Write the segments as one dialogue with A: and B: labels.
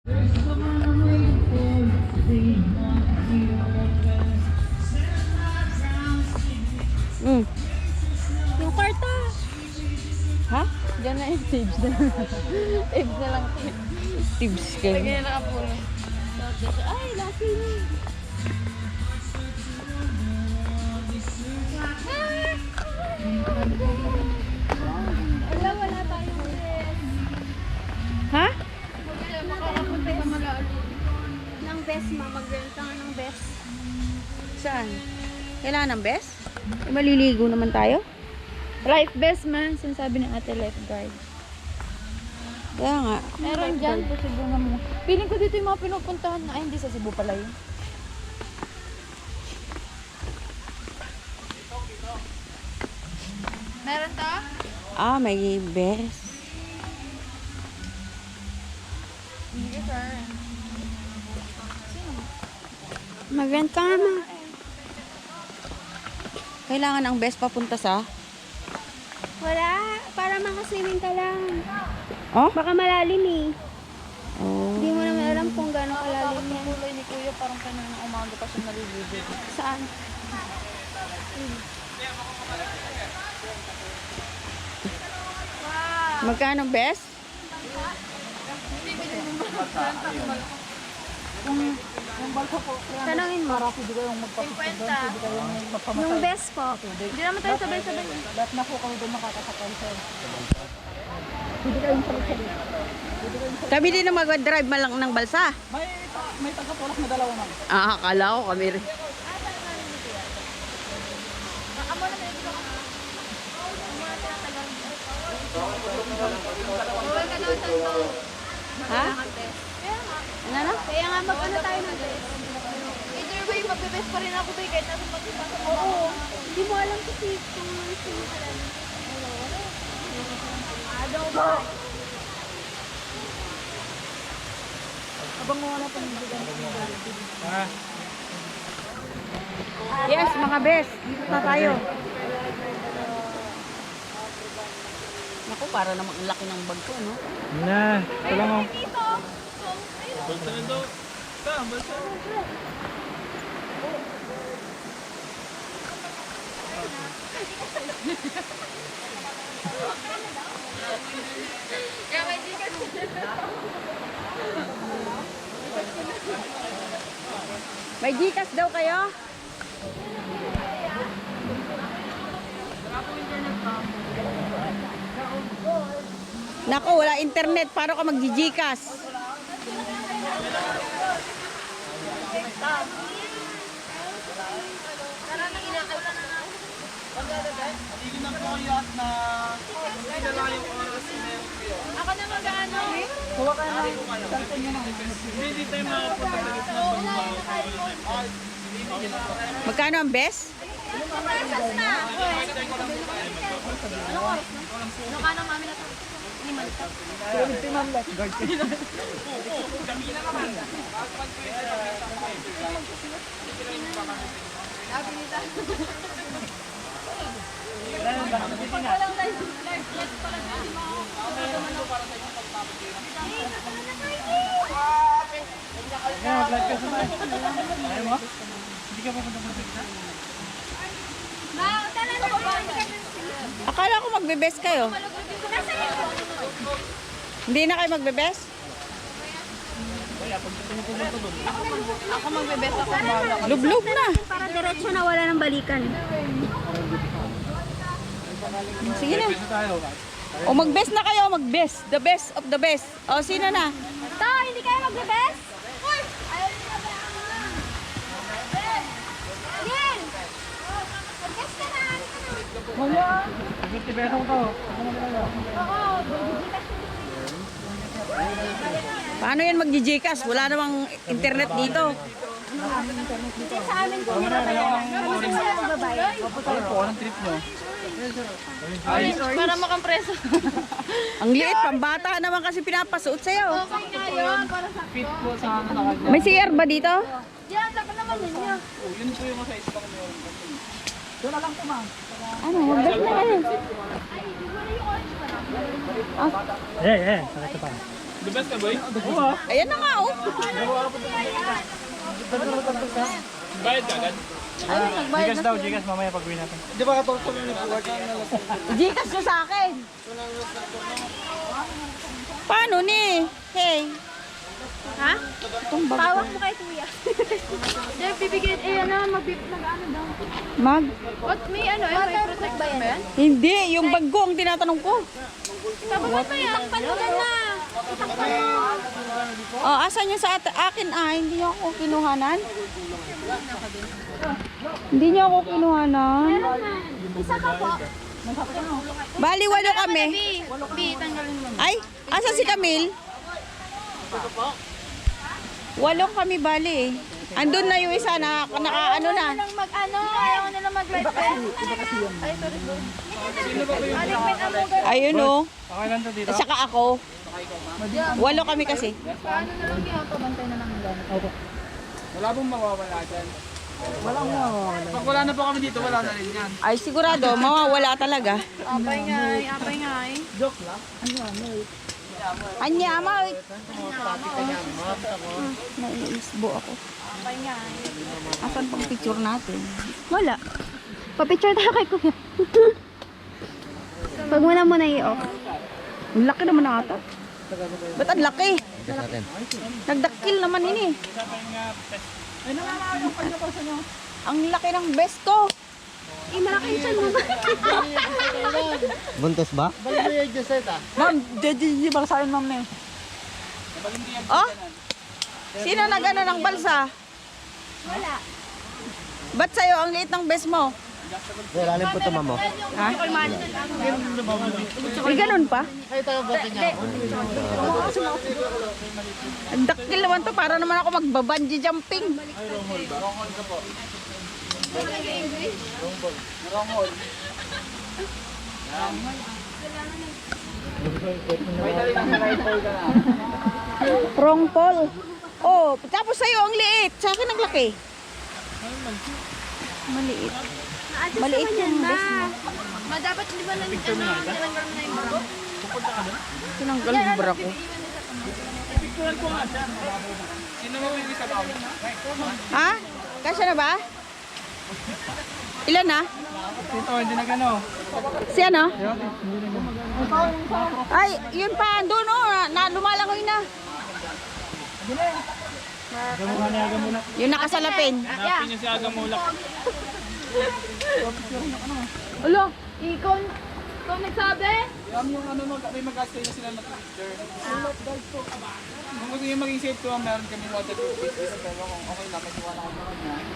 A: Yung kwarta.
B: Ha?
A: Diyan na yung tips na lang. Tips na lang.
B: Tips kayo.
A: Lagyan na nakapuno. Ay, lucky me. Wala, wala tayong best.
B: Ha?
A: Makakapunta ka mag-aalit. Ng best, ma. Mag-rent ka nga ng best.
B: Saan? Kailangan ng best? Maliligo naman tayo?
A: Life best, man. Sinasabi ng ate lifeguard.
B: Kaya nga.
A: Meron dyan. Posible nga mo. Piling ko dito yung mga pinupuntahan na. Ay, hindi sa Cebu pala yun. Meron to?
B: Ah, may best.
A: Hindi, sir.
B: Mag-rent ka nga, ma. Kailangan ng best papunta sa?
A: Wala. Para makaswimming ka lang.
B: Oh?
A: Baka malalim eh.
B: Oh.
A: Hindi mo naman alam kung gano'ng kalalim yan.
C: Kulay ni Kuya, parang kanina umaga pa siya naliligo.
A: Saan?
B: Magkano best?
A: Tanongin mo.
C: Pwede kayong magpapasok doon, pwede kayong magpamatal.
A: Yung best po. Hindi naman tayo sabay-sabay.
C: Lahat na po kami doon makakasakay sir. Pwede kayong salit-salit.
B: Kami din na mag-drive malang ng balsa.
C: May taga-tulak na dalawa man.
B: Ah, akala ko kami rin. Ha? Ano na?
A: Kaya nga mag-ano tayo ng best.
C: Either way, magbe-best pa rin ako tayo kahit nasa pagkita.
A: Oo. Hindi mo alam kasi kung sino ka lang. Adaw ba?
C: Abang mo wala pang bigyan ng
B: Yes, mga best. Dito na tayo. Naku, para namang ang laki ng bag ko, no?
D: Na, ito lang oh.
B: May Gcash daw kayo? Naku, wala internet. Paano ka mag-Gcash?
A: Ako na mag-ano?
C: Kuha ka na ng cellphone nyo na.
D: Hindi tayo makapunta sa gitna ng bangbaw.
B: Magkano ang best?
A: Pesos na. Anong oras na? Ano ka na mami na to? Liman to.
C: Kaya si ma'am lifeguard.
D: Kaya mag-live ka sa tayo. Ayaw mo? Hindi ka papunta sa gitna?
B: Akala ko magbe-best kayo. Hindi na kayo magbe-best?
A: Ako magbe-best ako. Bahala.
B: Lublog na.
A: Para diretso na wala ng balikan.
B: Sige na.
D: Sa tayo.
B: O mag-best na kayo, mag-best. The best of the best. O sino na?
A: To, hindi kayo magbe-best? Ayaw nyo na ba? Yan! Mag-best ka na!
C: Wala.
D: 50 pesos ko.
A: Oo,
B: Paano yan mag-Gcash? Wala namang internet dito.
A: Kasi sa amin kung meron kayo. Kami sa mga babae.
D: Ano po, anong trip nyo?
A: Para makampreso.
B: Ang liit, pambata naman kasi pinapasuot sa'yo.
A: Okay na yun. Para sa
D: Fit po sa ano nakagyan.
B: May CR ba dito?
A: Yan, dapat naman ninyo.
D: Yun po yung sa ispa ko meron.
C: Doon na lang po ma'am.
B: Ano, mag-best na kayo.
D: Eh, sakit pa. The best ka, boy? Oo.
B: Ayan na nga, oh.
D: Bayad ka agad?
B: Ayun, nagbayad
D: Gigas
B: na
D: daw,
B: siya.
D: gigas. Mamaya pag-uwi natin.
B: Gcash nyo sa akin. Paano ni? Hey.
A: Ha?
B: Itong bag
A: Pawak
B: ko.
A: mo kay kuya. Hindi, bibigyan, ano daw.
B: Mag?
A: What, may ano, may protect ba yan?
B: Hindi, yung bag ko ang tinatanong ko.
A: What ba yan? Panugan na.
B: Oh, asan yung sa akin? Hindi niyo ako kinuhanan. Hindi niyo ako kinuhanan.
A: Isa ka po.
B: Bali, walo kami.
A: B, tanggalin mo.
B: Ay, asa si Camille? Walo kami bali eh. Andun na yung isa na naka-ano na.
A: Ayaw nila mag-live vest. Ay, sorry. Alikmet ang mugar.
B: Ayun oh.
D: Okay lang to dito.
B: At saka ako. Walo kami kasi.
A: Paano na lang yung pabantay na lang nila.
D: Wala pong mawawala dyan. Walang mawawala. Pag wala na po kami dito, wala na rin yan.
B: Ay sigurado, mawawala talaga.
A: Apay nga eh.
D: Joke lang.
B: Anya, ama. Naiisbo ako.
A: Apay nga eh.
B: Asan pang picture natin?
A: Wala. Pa-picture tayo kay kuya. Pag muna i-off.
B: Ang laki naman na ata. Ba't ang laki? Nagdakil naman ini. Ang laki ng best ko.
A: Malaki yung chan mo ba?
C: Buntos ba?
B: Ma'am, di ba sa akin ma'am na Oh? Sino nag-ano ng balsa?
A: Wala.
B: Ba't sa'yo ang liit ng best mo?
C: Lalim po tama mo.
B: Ha? May ganun pa? Ang dakil naman to, para naman ako magbabanji jumping. Wrong pole. Oh, tapos sa'yo ang liit. Sa akin ang laki. Maliit. Maliit yung best mo.
A: Dapat di ba nilanggal mo na yung bro?
B: Tinanggal yung bra ko.
D: Sino mo yung isa ba?
B: Ha? Kasya na ba? Ilan na?
D: Dito, hindi na gano.
B: Si ano? Ay, yun pa, doon oh, lumalangoy na.
D: Gamula niya, gamula.
B: Yung nakasalapin.
D: Hanapin niyo si Agamulak.
A: Ulo, ikaw nagsabi?
D: Yung ano, may mag-astay na sila na picture. Kung gusto niyo maging safe to, meron kami waterproof face. Pero kung okay lang, kasi wala akong naman niya.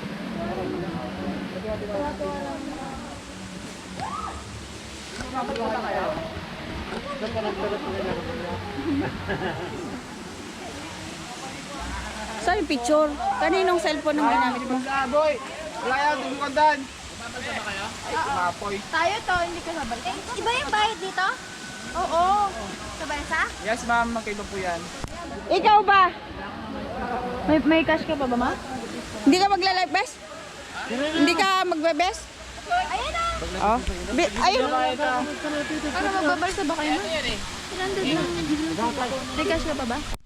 B: Saan yung picture? Kaninong cellphone ang ginamit mo?
D: Boy! Wala yan, tumukandan! Mapoy.
A: Tayo to, hindi ka sabay. Iba yung bayad dito? Oo. Sabay sa?
D: Yes ma'am, magkaiba po yan.
B: Ikaw ba?
A: May cash ka pa ba, ma?
B: Hindi ka magla-live best? Hindi ka magbe-best?
A: Ayan na!
B: Oh. Ayun.
A: Ano, magbabalsa ba kayo, ma? 100 lang. May cash ka pa ba?